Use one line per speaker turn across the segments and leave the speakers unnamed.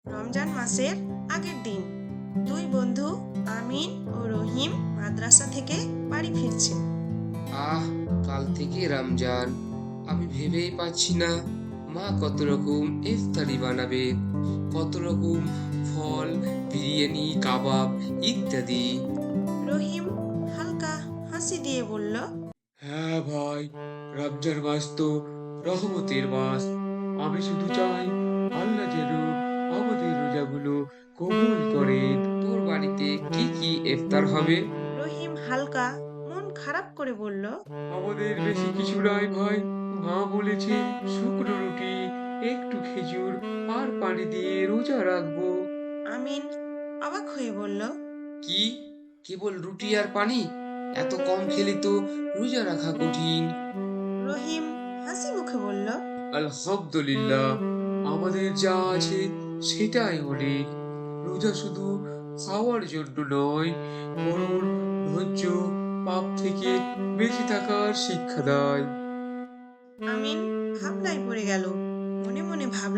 রমজান মাসের আগের দিন দুই বন্ধু আমিন ও রহিম মাদ্রাসা থেকে বাড়ি ফিরছে।
আহ, কাল থেকে রমজান। আমি ভেবেই পাচ্ছি না মা কত রকম ইফতারি বানাবে, কত রকম ফল, বিরিয়ানি, কাবাব ইত্যাদি।
রহিম হালকা হাসি দিয়ে বলল,
হ্যাঁ ভাই, রমজান মাস তো রহমতের মাস। আমি শুধু চাই আল্লাহ যেন আমাদের রোজাগুলো কবুল করেন।
তোর বাড়িতে কি কি ইফতার হবে?
রহিম হালকা মন খারাপ করে বলল,
আমাদের বেশি কিছু নাই ভাই। মা বলেছে শুকনো রুটি, একটু খেজুর আর পানি দিয়ে রোজা রাখবো।
আমিন অবাক হয়ে বলল,
কি, কেবল রুটি আর পানি? এত কম খেলে তো রোজা রাখা কঠিন।
রহিম হাসি মুখে বলল,
আলহামদুলিল্লাহ, আমাদের যা আছে সেটাই অনেক। রোজা শুধু খাওয়ার জন্য নয়, বরং ধৈর্য, পাপ থেকে বেঁচে থাকার শিক্ষা দেয়।
আমিন ভাবনায় পড়ে গেল। মনে মনে ভাবল।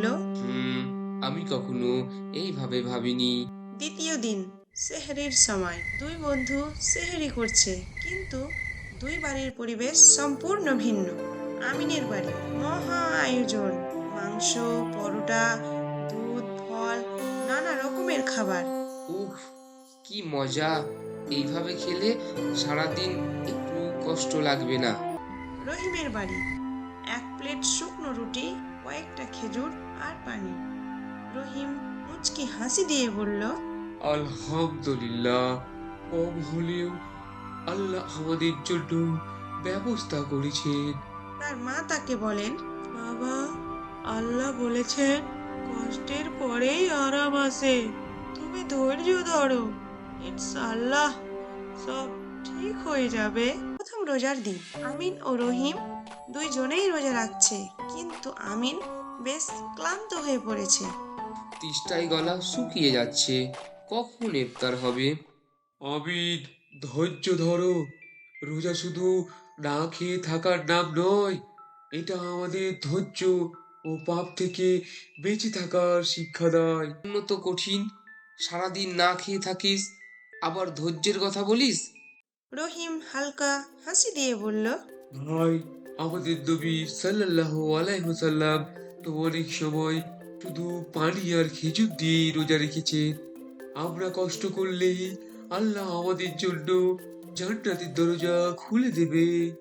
আমি কখনো এইভাবে ভাবিনি।
দ্বিতীয় দিন সেহরির সময় দুই বন্ধু সেহরি করছে, কিন্তু দুই বাড়ির পরিবেশ সম্পূর্ণ ভিন্ন। আমিনের বাড়ি মহা আয়োজন, মাংস, পরোটা, দুধ, ফল, নানা রকমের খাবার।
উফ, কি মজা! এইভাবে খেলে সারাদিন একটু কষ্ট লাগবে না।
রহিমের বাড়ি এক প্লেট শুকনো রুটি, কয়েকটা খেজুর আর পানি। রহিম মুচকি হাসি দিয়ে বলল,
আলহামদুলিল্লাহ, কম হলেও আল্লাহ আমাদের জন্য ব্যবস্থা করেছেন।
তার মা তাকে বলেন, বাবা, আল্লাহ বলেছেন কষ্টের পরেই আরাম আসে। তুমি ধৈর্য ধরো, ইনশাআল্লাহ সব ঠিক হয়ে যাবে। প্রথম রোজার দিন আমিন ও রহিম দুইজনেই রোজা রাখছে, কিন্তু আমিন বেশ ক্লান্ত হয়ে পড়েছে।
তেষ্টায় গলা শুকিয়ে যাচ্ছে। কখন ইফতার হবে?
আমিন, ধৈর্য ধরো। রোজা শুধু না খেয়ে থাকার নাম নয়, এটা আমাদের ধৈর্য ও পাপ থেকে বেঁচে থাকার শিক্ষা দেয়।
তো কঠিন, সারাদিন না খেয়ে থাকিস, আবার ধৈর্যের কথা বলিস।
রহিম হালকা হাসি দিয়ে বলল,
ভাই, আমাদের নবী সাল্লাল্লাহু আলাইহি ওয়াসাল্লাম তো অনেক সময় শুধু পানি আর খেজুর দিয়ে রোজা রেখেছে। আমরা কষ্ট করলেই আল্লাহ আমাদের জন্য জান্নাতের দরজা খুলে দেবে।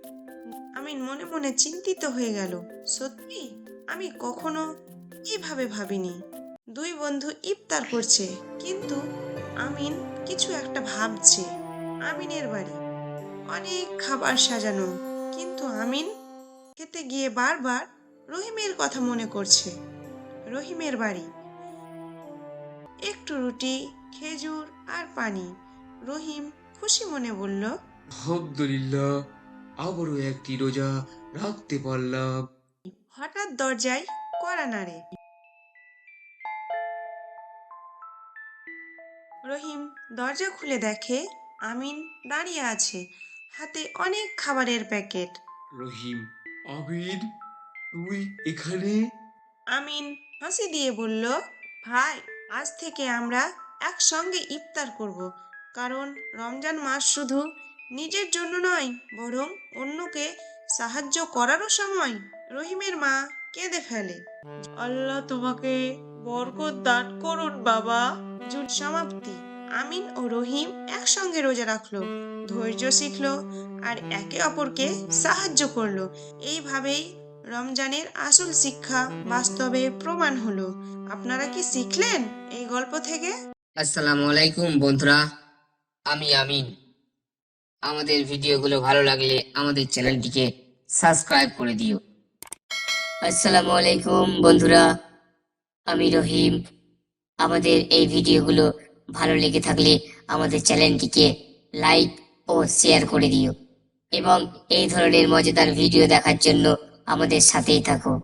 আমিন মনে মনে চিন্তিত হয়ে গেল। সত্যি আমি কখনো এইভাবে ভাবিনি। দুই বন্ধু ইফতার করছে, কিন্তু আমিন কিছু একটা ভাবছে। আমিনের বাড়ি অনেক খাবার সাজানো, কিন্তু আমিন খেতে গিয়ে বারবার রহিমের কথা মনে করছে। রহিমের বাড়ি একটু রুটি, খেজুর আর পানি। রহিম খুশি মনে বলল,
আলহামদুলিল্লাহ, আবারও একটি রোজা রাখতে পারলাম।
হঠাৎ দরজায় কড়া নাড়ে। রহিম দরজা খুলে দেখে আমিন দাঁড়িয়ে আছে, হাতে অনেক খাবারের প্যাকেট।
রহিম, আমিন, তুই এখানে?
আমিন হাসি দিয়ে বলল, ভাই, আজ থেকে আমরা একসঙ্গে ইফতার করব, কারণ রমজান মাস শুধু নিজের জন্য নয়, বরং অন্যকে সাহায্য করারও সময়। রহিমের মা কেঁদে ফেলে, আল্লাহ তোমাকে বরকত দান করুন বাবা। জুট সমাপ্তি। আমিন ও রহিম একসঙ্গে রোজা রাখলো, ধৈর্য শিখলো আর একে অপরকে সাহায্য করলো। এইভাবেই রমজানের আসল শিক্ষা বাস্তবে প্রমাণ হলো। আপনারা কি শিখলেন এই গল্প থেকে?
আসসালামু আলাইকুম বন্ধুরা, আমি আমিন। আমাদের ভিডিওগুলো ভালো লাগলে আমাদের চ্যানেলটিকে সাবস্ক্রাইব করে দিও। আসসালামু আলাইকুম বন্ধুরা, আমি রহিম। আমাদের এই ভিডিওগুলো ভালো লেগে থাকলে আমাদের চ্যানেলটিকে লাইক ও শেয়ার করে দিও এবং এই ধরনের মজাদার ভিডিও দেখার জন্য আমাদের সাথেই থাকো।